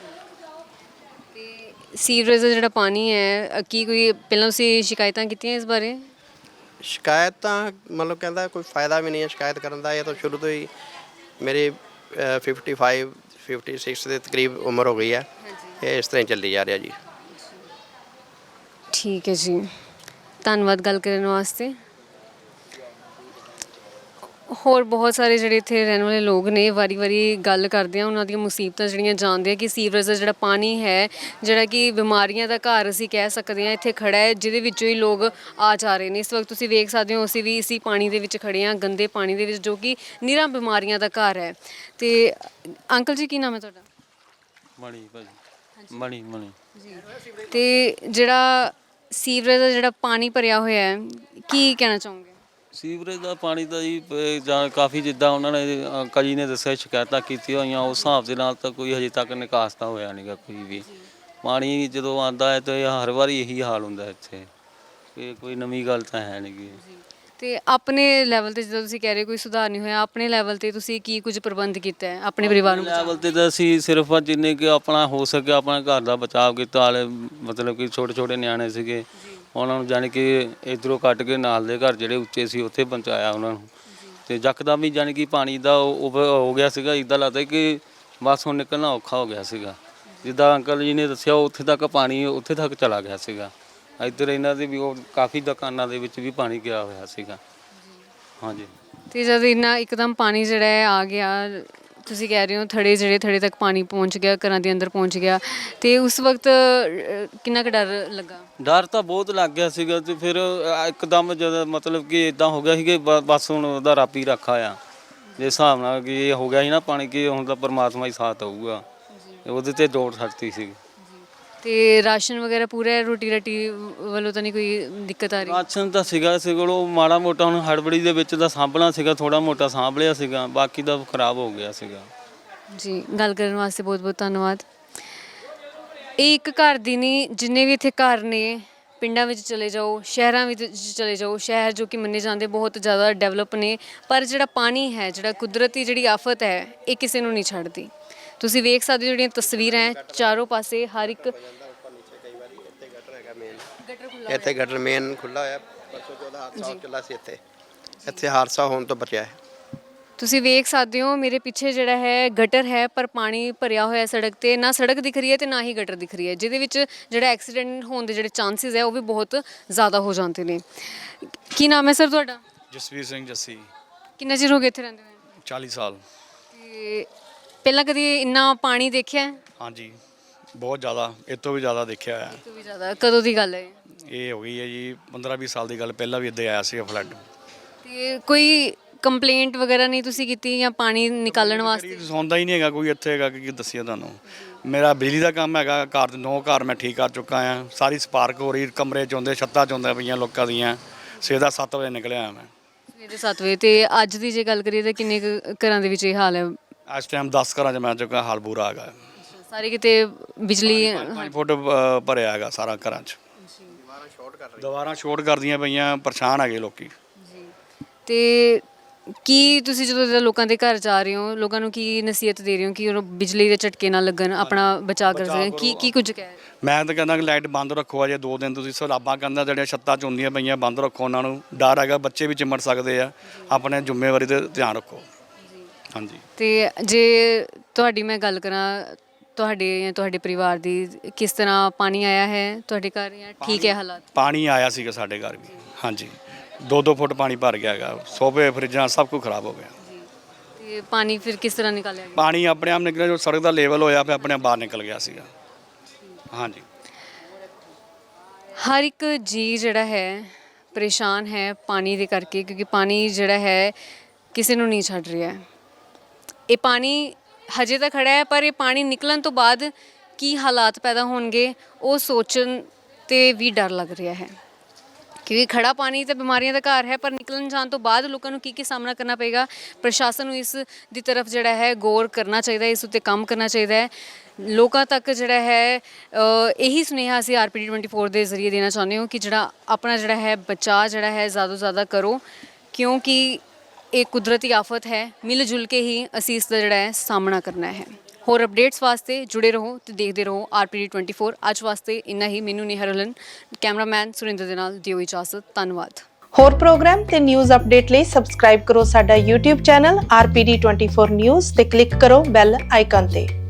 S1: ਤੇ ਸੀਵਰੇਜ ਦਾ ਜਿਹੜਾ ਪਾਣੀ ਹੈ ਅ, ਕੀ ਕੋਈ ਪਹਿਲਾਂ ਤੁਸੀਂ ਸ਼ਿਕਾਇਤਾਂ ਕੀਤੀਆਂ ਇਸ ਬਾਰੇ?
S5: ਸ਼ਿਕਾਇਤ ਤਾਂ ਮਤਲਬ ਕਹਿੰਦਾ ਕੋਈ ਫਾਇਦਾ ਵੀ ਨਹੀਂ ਹੈ ਸ਼ਿਕਾਇਤ ਕਰਨ ਦਾ। ਇਹ ਤਾਂ ਸ਼ੁਰੂ ਤੋਂ ਹੀ ਮੇਰੀ ਫਿਫਟੀ ਫਾਈਵ ਫਿਫਟੀ ਸਿਕਸ ਦੇ ਤਕਰੀਬ ਉਮਰ ਹੋ ਗਈ ਹੈ, ਇਹ ਇਸ ਤਰ੍ਹਾਂ ਹੀ ਚੱਲੀ ਜਾ ਰਿਹਾ ਜੀ।
S1: ਠੀਕ ਹੈ ਜੀ, ਧੰਨਵਾਦ ਗੱਲ ਕਰਨ ਵਾਸਤੇ। ਹੋਰ ਬਹੁਤ ਸਾਰੇ ਜਿਹੜੇ ਇੱਥੇ ਰਹਿਣ ਵਾਲੇ ਲੋਕ ਨੇ ਵਾਰੀ-ਵਾਰੀ ਗੱਲ ਕਰਦੇ ਆ, ਉਹਨਾਂ ਦੀਆਂ ਮੁਸੀਬਤਾਂ ਜਿਹੜੀਆਂ ਜਾਣਦੇ ਆ ਕਿ ਸੀਵਰੇਜ ਦਾ ਜਿਹੜਾ ਪਾਣੀ ਹੈ ਜਿਹੜਾ ਕਿ ਬਿਮਾਰੀਆਂ ਦਾ ਘਰ ਅਸੀਂ ਕਹਿ ਸਕਦੇ ਹਾਂ ਇੱਥੇ ਖੜਾ ਹੈ, ਜਿਹਦੇ ਵਿੱਚੋਂ ਹੀ ਲੋਕ ਆ ਜਾ ਰਹੇ ਨੇ। ਇਸ ਵਕਤ ਤੁਸੀਂ ਵੇਖ ਸਕਦੇ ਹੋ ਅਸੀਂ ਵੀ ਇसी ਪਾਣੀ ਦੇ ਵਿੱਚ ਖੜੇ ਹਾਂ, ਗੰਦੇ ਪਾਣੀ ਦੇ ਵਿੱਚ, ਜੋ ਕਿ ਨਿਰਾ ਬਿਮਾਰੀਆਂ ਦਾ ਘਰ ਹੈ। ਤੇ ਅੰਕਲ ਜੀ ਕੀ ਨਾਮ ਹੈ ਤੁਹਾਡਾ?
S12: ਮਣੀ ਭਾਜੀ, ਮਣੀ ਮਣੀ
S1: ਜੀ। ਤੇ ਜਿਹੜਾ ਸੀਵਰੇਜ ਦਾ ਜਿਹੜਾ ਪਾਣੀ ਭਰਿਆ ਹੋਇਆ ਹੈ ਕੀ ਕਹਿਣਾ ਚਾਹੋਗੇ?
S12: ਸੀਵਰੇਜ ਦਾ ਪਾਣੀ ਤਾਂ ਜੀ ਪ- ਜਾਂ ਕਾਫੀ ਜਿੱਦਾਂ ਉਹਨਾਂ ਨੇ ਅ, ਕਈ ਨੇ ਦੱਸਿਆ ਸ਼ਿਕਾਇਤਾਂ ਕੀਤੀਆਂ ਹੋਈਆਂ, ਉਸ ਹਿਸਾਬ ਦੇ ਨਾਲ ਤਾਂ ਕੋਈ ਹਜੇ ਤੱਕ ਨਿਕਾਸ ਤਾਂ ਹੋਇਆ ਨਹੀਂਗਾ ਕੋਈ ਵੀ। ਪਾਣੀ ਜਦੋਂ ਆਉਂਦਾ ਹੈ ਤਾਂ ਹਰ ਵਾਰੀ ਇਹੀ ਹਾਲ ਹੁੰਦਾ ਇੱਥੇ, ਇਹ ਕੋਈ ਨਵੀਂ ਗੱਲ ਤਾਂ ਹੈ ਨਹੀਂ ਗੀ।
S1: ਤੇ ਆਪਣੇ ਲੈਵਲ ਤੇ ਜਦੋਂ ਤੁਸੀਂ ਕਹਿ ਰਹੇ ਕੋਈ ਸੁਧਾਰ ਨਹੀਂ ਹੋਇਆ, ਆਪਣੇ ਲੈਵਲ ਤੇ ਤੁਸੀਂ ਕੀ ਕੁਝ ਪ੍ਰਬੰਧ ਕੀਤਾ ਹੈ ਆਪਣੇ ਪਰਿਵਾਰ ਨੂੰ
S12: ਲੈਵਲ ਤੇ ਤਾਂ ਅਸੀਂ ਸਿਰਫ ਜਿੰਨੇ ਕਿ ਆਪਣਾ ਹੋ ਸਕੇ ਆਪਣਾ ਘਰ ਦਾ ਬਚਾਅ ਕੀਤਾ। ਹਾਲੇ ਮਤਲਬ ਕਿ ਛੋਟੇ ਛੋਟੇ ਨਿਆਣੇ ਸੀਗੇ, ਉਹਨਾਂ ਨੂੰ ਜਾਣੀ ਕਿ ਇਧਰੋਂ ਕੱਟ ਕੇ ਨਾਲ ਦੇ ਘਰ ਜਿਹੜੇ ਉੱਚੇ ਸੀ ਉੱਥੇ ਪਹੁੰਚਾਇਆ ਉਹਨਾਂ ਨੂੰ। ਤੇ ਯਕਦਮ ਵੀ ਜਾਣੀ ਕਿ ਪਾਣੀ ਦਾ ਉਹ ਹੋ ਗਿਆ ਸੀਗਾ, ਇੱਦਾਂ ਲੱਗਦਾ ਕਿ ਬਸ ਹੁਣ ਨਿਕਲਣਾ ਔਖਾ ਹੋ ਗਿਆ ਸੀਗਾ। ਜਿੱਦਾਂ ਅੰਕਲ ਜੀ ਨੇ ਦੱਸਿਆ ਉੱਥੇ ਤੱਕ ਪਾਣੀ ਉੱਥੇ ਤੱਕ ਚਲਾ ਗਿਆ ਸੀਗਾ। ਇੱਧਰ ਇਹਨਾਂ ਦੇ ਵੀ ਉਹ ਕਾਫੀ ਦੁਕਾਨਾਂ ਦੇ ਵਿੱਚ ਵੀ ਪਾਣੀ ਗਿਆ ਹੋਇਆ ਸੀਗਾ। ਹਾਂਜੀ।
S1: ਤੇ ਜਦ ਇੰਨਾ ਇੱਕਦਮ ਪਾਣੀ ਜਿਹੜਾ ਹੈ ਆ ਗਿਆ, ਤੁਸੀਂ ਕਹਿ ਰਹੇ ਹੋ ਥੜੇ ਜਿਹੜੇ ਥੜੇ ਤੱਕ ਪਾਣੀ ਪਹੁੰਚ ਗਿਆ, ਘਰਾਂ ਦੇ ਅੰਦਰ ਪਹੁੰਚ ਗਿਆ, ਤੇ ਉਸ ਵਕਤ ਅ, ਕਿੰਨਾ ਕੁ ਡਰ ਲੱਗਾ?
S12: ਡਰ ਤਾਂ ਬਹੁਤ ਲੱਗ ਗਿਆ ਸੀਗਾ। ਤੇ ਫਿਰ ਇੱਕਦਮ ਜਦੋਂ ਮਤਲਬ ਕਿ ਇਦਾਂ ਹੋ ਗਿਆ ਸੀ ਕਿ ਬ- ਬਸ ਹੁਣ ਉਹਦਾ ਰੱਬ ਹੀ ਰੱਖਾ ਆ। ਜੇ ਹਿਸਾਬ ਨਾਲ ਕਿ ਇਹ ਹੋ ਗਿਆ ਸੀ ਨਾ ਪਾਣੀ, ਕਿ ਹੁਣ ਤਾਂ ਪਰਮਾਤਮਾ ਹੀ ਸਾਥ ਆਊਗਾ, ਉਹਦੇ ਤੇ ਦੌੜ ਛੱਡਤੀ ਸੀ।
S1: ਤੇ ਰਾਸ਼ਨ ਵਗੈਰਾ ਪੂਰਾ ਹੈ, ਰੋਟੀ ਰਾਟੀ ਵੱਲੋਂ ਤਾਂ ਨਹੀਂ ਕੋਈ ਦਿੱਕਤ ਆ ਰਹੀ?
S12: ਰਾਸ਼ਨ ਤਾਂ ਸੀਗਾ ਸੀ ਕੋਲੋਂ ਮਾੜਾ ਮੋਟਾ, ਹੁਣ ਹੜਬੜੀ ਦੇ ਵਿੱਚ ਤਾਂ ਸਾਂਭਣਾ ਸੀਗਾ, ਥੋੜਾ ਮੋਟਾ ਸਾਂਭ ਲਿਆ ਸੀਗਾ, ਬਾਕੀ ਤਾਂ ਖਰਾਬ ਹੋ ਗਿਆ ਸੀਗਾ।
S1: ਜੀ, ਗੱਲ ਕਰਨ ਵਾਸਤੇ ਬਹੁਤ ਬਹੁਤ ਧੰਨਵਾਦ। ਇਹ ਇੱਕ ਘਰ ਦੀ ਨਹੀਂ, ਜਿੰਨੇ ਵੀ ਇੱਥੇ ਘਰ ਨੇ, ਪਿੰਡਾਂ ਵਿੱਚ ਚਲੇ ਜਾਓ, ਸ਼ਹਿਰਾਂ ਵਿੱਚ ਚਲੇ ਜਾਓ, ਸ਼ਹਿਰ ਜੋ ਕਿ ਮੰਨੇ ਜਾਂਦੇ ਬਹੁਤ ਜ਼ਿਆਦਾ ਡਿਵੈਲਪ ਨੇ, ਪਰ ਜਿਹੜਾ ਪਾਣੀ ਹੈ, ਜਿਹੜਾ ਕੁਦਰਤੀ ਜਿਹੜੀ ਆਫਤ ਹੈ, ਇਹ ਕਿਸੇ ਨੂੰ ਨਹੀਂ ਛੱਡਦੀ। ਤੁਸੀਂ ਵੇਖ ਸਕਦੇ ਹੋ ਜਿਹੜੀਆਂ ਤਸਵੀਰਾਂ ਹੈ, ਚਾਰੋਂ ਪਾਸੇ ਹਰ ਇੱਕ
S5: ਇੱਥੇ ਗਟਰ ਮੇਨ ਖੁੱਲਾ ਹੋਇਆ, ਪਰਸੋਂ ਚੌਦਾਂ ਹਾਦਸਾ ਚੱਲਾ ਸੀ ਇੱਥੇ, ਇੱਥੇ ਹਾਦਸਾ ਹੋਣ ਤੋਂ ਬਚਿਆ ਹੈ।
S1: ਤੁਸੀਂ ਵੇਖ ਸਕਦੇ ਹੋ ਮੇਰੇ ਪਿੱਛੇ ਜਿਹੜਾ ਹੈ ਗਟਰ ਹੈ, ਪਰ ਪਾਣੀ ਭਰਿਆ ਹੋਇਆ ਸੜਕ ਤੇ, ਨਾ ਸੜਕ ਦਿਖ ਰਹੀ ਹੈ ਤੇ ਨਾ ਹੀ ਗਟਰ ਦਿਖ ਰਹੀ ਹੈ, ਜਿਹਦੇ ਵਿੱਚ ਜਿਹੜਾ ਐਕਸੀਡੈਂਟ ਹੋਣ ਦੇ ਜਿਹੜੇ ਚਾਂਸਸ ਹੈ ਉਹ ਵੀ ਬਹੁਤ ਜ਼ਿਆਦਾ ਹੋ ਜਾਂਦੇ ਨੇ। ਕੀ ਨਾਮ ਹੈ ਸਰ ਤੁਹਾਡਾ?
S13: ਜਸਵੀਰ ਸਿੰਘ ਜੱਸੀ।
S1: ਕਿੰਨਾ ਚਿਰ ਹੋ ਗਿਆ ਇੱਥੇ ਰਹਿੰਦੇ ਹੋਏ?
S13: ਚਾਲੀ ਸਾਲ।
S1: ਤੇ ਪਹਿਲਾਂ ਕਦੀ ਇੰਨਾ ਪਾਣੀ ਦੇਖਿਆ ਹੈ?
S13: ਹਾਂਜੀ, ਬਹੁਤ ਜ਼ਿਆਦਾ, ਇਹ ਤੋਂ ਵੀ ਜ਼ਿਆਦਾ ਦੇਖਿਆ ਹੋਇਆ।
S1: ਇਹ ਤੋਂ ਵੀ ਜ਼ਿਆਦਾ। ਕਦੋਂ ਦੀ ਗੱਲ ਹੈ?
S13: ਇਹ ਹੋ ਗਈ ਹੈ ਜੀ ਪੰਦਰਾਂ ਵੀਹ ਸਾਲ ਦੀ ਗੱਲ, ਪਹਿਲਾਂ ਵੀ ਇੱਦਾਂ ਆਇਆ ਸੀ ਫਲੱਡ।
S1: ਤੇ ਕੋਈ ਕੰਪਲੇਂਟ ਵਗੈਰਾ ਨਹੀਂ ਤੁਸੀਂ ਕੀਤੀ ਜਾਂ ਪਾਣੀ ਨਿਕਾਲਣ ਵਾਸਤੇ?
S13: ਸੌਂਦਾ ਹੀ ਨਹੀਂ ਹੈਗਾ ਕੋਈ ਇੱਥੇ ਹੈਗਾ, ਕਿ ਦੱਸਿਆ ਤੁਹਾਨੂੰ। ਮੇਰਾ ਬਿਜਲੀ ਦਾ ਕੰਮ ਹੈਗਾ, ਘਰ ਦੇ ਨੌ ਘਰ ਮੈਂ ਠੀਕ ਕਰ ਚੁੱਕਾ ਆ, ਸਾਰੀ ਸਪਾਰਕ ਹੋ ਰਹੀ, ਕਮਰੇ 'ਚ ਆਉਂਦੇ, ਛੱਤਾਂ 'ਚ ਆਉਂਦੇ ਪਈਆਂ ਲੋਕਾਂ ਦੀਆਂ। ਸਵੇਰ ਦਾ ਸੱਤ ਵਜੇ ਨਿਕਲਿਆ ਮੈਂ।
S1: ਸਵੇਰੇ ਸੱਤ ਵਜੇ। ਤੇ ਅੱਜ ਦੀ ਜੇ ਗੱਲ ਕਰੀਏ ਤਾਂ ਕਿੰਨੇ ਕੁ ਘਰਾਂ ਦੇ ਵਿੱਚ ਇਹ ਹਾਲ ਹੈ?
S13: ਇਸ ਟਾਈਮ ਦਸ ਘਰਾਂ 'ਚ ਮੈਂ ਚੁੱਕਾ, ਹਾਲ ਬੁਰਾ ਹੈਗਾ।
S1: ਸਾਰੇ ਕਿਤੇ ਬਿਜਲੀ
S13: ਪੰਜ ਫੁੱਟ ਅ, ਭਰਿਆ ਹੈਗਾ ਸਾਰਾ ਘਰਾਂ 'ਚ। ਦੀਵਾਰਾਂ ਸ਼ੋਰਟ ਕਰਦੀਆਂ ਪਈਆਂ, ਪਰੇਸ਼ਾਨ ਹੈਗੇ ਲੋਕੀ।
S1: ਤੇ ਕੀ ਤੁਸੀਂ ਜਦੋਂ ਇੱਦਾਂ ਲੋਕਾਂ ਦੇ ਘਰ ਜਾ ਰਹੇ ਹੋ, ਲੋਕਾਂ ਨੂੰ ਕੀ ਨਸੀਹਤ ਦੇ ਰਹੇ ਹੋ ਕਿ ਉਹ ਬਿਜਲੀ ਦੇ ਝਟਕੇ ਨਾ ਲੱਗਣ, ਆਪਣਾ ਬਚਾਅ ਕਰ ਸਕਣ? ਕੀ ਕੀ ਕੁਝ ਕਹਿ ਰਹੇ?
S13: ਮੈਂ ਤਾਂ ਕਹਿੰਦਾ ਕਿ ਲਾਈਟ ਬੰਦ ਰੱਖੋ ਅਜੇ ਦੋ ਦਿਨ। ਤੁਸੀਂ ਸਲਾਬਾਂ ਕਹਿੰਦਾ ਜਿਹੜੀਆਂ ਛੱਤਾਂ 'ਚ ਹੁੰਦੀਆਂ ਪਈਆਂ ਬੰਦ ਰੱਖੋ, ਉਹਨਾਂ ਨੂੰ ਡਰ ਹੈਗਾ, ਬੱਚੇ ਵੀ ਚਿੰਮੜ ਸਕਦੇ ਆ। ਆਪਣੇ ਜ਼ਿੰਮੇਵਾਰੀ ਤੇ ਧਿਆਨ ਰੱਖੋ। ਹਾਂਜੀ।
S1: ਤੇ ਜੇ ਤੁਹਾਡੀ ਮੈਂ ਗੱਲ ਕਰਾਂ ਤੁਹਾਡੇ ਜਾਂ ਤੁਹਾਡੇ ਪਰਿਵਾਰ ਦੀ, ਕਿਸ ਤਰ੍ਹਾਂ ਪਾਣੀ ਆਇਆ ਹੈ ਤੁਹਾਡੇ ਘਰ ਜਾਂ ਠੀਕ ਹੈ ਹਾਲਾਤ?
S13: ਪਾਣੀ ਆਇਆ ਸੀਗਾ ਸਾਡੇ ਘਰ ਵੀ, ਹਾਂਜੀ। ਦੋ ਦੋ ਫੁੱਟ ਪਾਣੀ ਭਰ ਗਿਆ ਹੈਗਾ, ਸੋਫੇ ਫਰਿੱਜਾਂ ਸਭ ਕੁਝ ਖਰਾਬ ਹੋ ਗਿਆ।
S1: ਤੇ ਪਾਣੀ ਫਿਰ ਕਿਸ ਤਰ੍ਹਾਂ ਨਿਕਾਲਿਆ ਗਿਆ?
S13: ਪਾਣੀ ਆਪਣੇ ਆਪ ਨਿਕਲਿਆ, ਜੋ ਸੜਕ ਦਾ ਲੈਵਲ ਹੋਇਆ ਫਿਰ ਆਪਣੇ ਆਪ ਬਾਹਰ ਨਿਕਲ ਗਿਆ ਸੀਗਾ। ਹਾਂਜੀ।
S1: ਹਰ ਇੱਕ ਜੀ ਜਿਹੜਾ ਹੈ ਪਰੇਸ਼ਾਨ ਹੈ ਪਾਣੀ ਦੇ ਕਰਕੇ, ਕਿਉਂਕਿ ਪਾਣੀ ਜਿਹੜਾ ਹੈ ਕਿਸੇ ਨੂੰ ਨਹੀਂ ਛੱਡ ਰਿਹਾ ਹੈ। ਇਹ ਪਾਣੀ ਹਜੇ ਤਾਂ ਖੜਾ ਹੈ, ਪਰ ਇਹ ਪਾਣੀ ਨਿਕਲਣ ਤੋਂ ਬਾਅਦ ਕੀ ਹਾਲਾਤ ਪੈਦਾ ਹੋਣਗੇ ਉਹ ਸੋਚਣ ਤੇ ਵੀ ਡਰ ਲੱਗ ਰਿਹਾ ਹੈ। ਕਿਉਂਕਿ ਖੜਾ ਪਾਣੀ ਤਾਂ ਬਿਮਾਰੀਆਂ ਦਾ ਘਰ ਹੈ, ਪਰ ਨਿਕਲਣ ਜਾਣ ਤੋਂ ਬਾਅਦ ਲੋਕਾਂ ਨੂੰ ਕੀ ਕੀ ਸਾਹਮਣਾ ਕਰਨਾ ਪਏਗਾ। ਪ੍ਰਸ਼ਾਸਨ ਨੂੰ ਇਸ ਦੀ ਤਰਫ ਜਿਹੜਾ ਹੈ ਗੌਰ ਕਰਨਾ ਚਾਹੀਦਾ ਹੈ, ਇਸ ਉੱਤੇ ਕੰਮ ਕਰਨਾ ਚਾਹੀਦਾ ਹੈ। ਲੋਕਾਂ ਤੱਕ ਜਿਹੜਾ ਹੈ ਇਹੀ ਸੁਨੇਹਾ ਅਸੀਂ R P D twenty four ਦੇ ਜ਼ਰੀਏ ਦੇਣਾ ਚਾਹੁੰਦੇ ਹਾਂ ਕਿ ਜਿਹੜਾ ਆਪਣਾ ਜਿਹੜਾ ਹੈ ਬਚਾਅ ਜਿਹੜਾ ਹੈ ਜ਼ਿਆਦਾ ਤੋਂ ਜ਼ਿਆਦਾ ਕਰੋ, ਕਿਉਂਕਿ ਇਹ ਕੁਦਰਤੀ ਆਫਤ ਹੈ। ਮਿਲ ਜੁਲ ਕੇ ਹੀ ਅਸੀਂ ਇਸ ਦਾ ਜਿਹੜਾ ਹੈ ਸਾਹਮਣਾ ਕਰਨਾ ਹੈ। ਹੋਰ ਅਪਡੇਟਸ ਵਾਸਤੇ ਜੁੜੇ ਰਹੋ ਤੇ ਦੇਖਦੇ ਰਹੋ R P D twenty four. ਅੱਜ ਵਾਸਤੇ ਇੰਨਾ ਹੀ। ਮੈਨੂੰ ਨੇਹਾ ਰਲਨ, ਕੈਮਰਾਮੈਨ ਸੁਰਿੰਦਰ ਦੇ ਨਾਲ ਦਿਓ ਇਜਾਜ਼ਤ। ਧੰਨਵਾਦ।
S14: ਹੋਰ ਪ੍ਰੋਗਰਾਮ ਤੇ ਨਿਊਜ਼ ਅਪਡੇਟ ਲਈ ਸਬਸਕ੍ਰਾਈਬ ਕਰੋ ਸਾਡਾ YouTube channel R P D twenty four news ਤੇ ਕਲਿੱਕ ਕਰੋ ਬੈਲ ਆਈਕਨ ਤੇ।